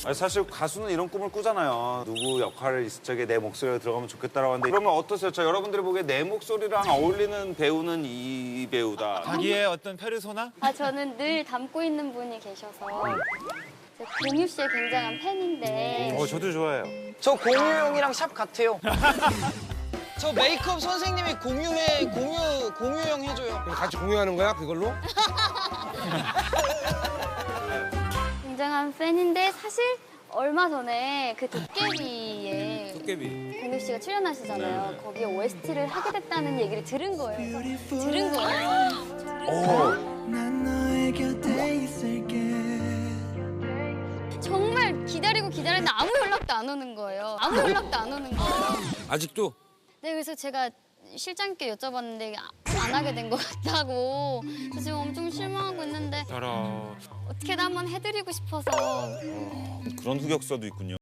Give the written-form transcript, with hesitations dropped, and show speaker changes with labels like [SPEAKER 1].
[SPEAKER 1] 아니, 사실 가수는 이런 꿈을 꾸잖아요. 누구 역할을 있을 적에 내 목소리가 들어가면 좋겠다라고 하는데 그러면 어떠세요? 저 여러분들이 보기에 내 목소리랑 어울리는 배우는 이 배우다.
[SPEAKER 2] 자기의 어떤 페르소나?
[SPEAKER 3] 아, 저는 늘 닮고 있는 분이 계셔서 제가 공유 씨의 굉장한 팬인데
[SPEAKER 2] 저도 좋아해요.
[SPEAKER 4] 저 공유 형이랑 샵 같아요. 저 메이크업 선생님이 공유 형 해줘요.
[SPEAKER 5] 그럼 같이 공유하는 거야 그걸로?
[SPEAKER 3] 굉장한 팬인데 사실 얼마 전에 그 도깨비에
[SPEAKER 2] 도깨비.
[SPEAKER 3] 공유 씨가 출연하시잖아요. 거기에 OST를 하게 됐다는 얘기를 들은 거예요. 들은 거예요. 정말 기다리고 기다렸는데 아무 연락도 안 오는 거예요. 아무 연락도 안 오는 거예요.
[SPEAKER 2] 아직도?
[SPEAKER 3] 네, 그래서 제가 실장님께 여쭤봤는데 안 하게 된 것 같다고. 그래서 지금 엄청 실망하고 있는데
[SPEAKER 2] 따라.
[SPEAKER 3] 어떻게든 한번 해드리고 싶어서.
[SPEAKER 1] 그런 흑역사도 있군요.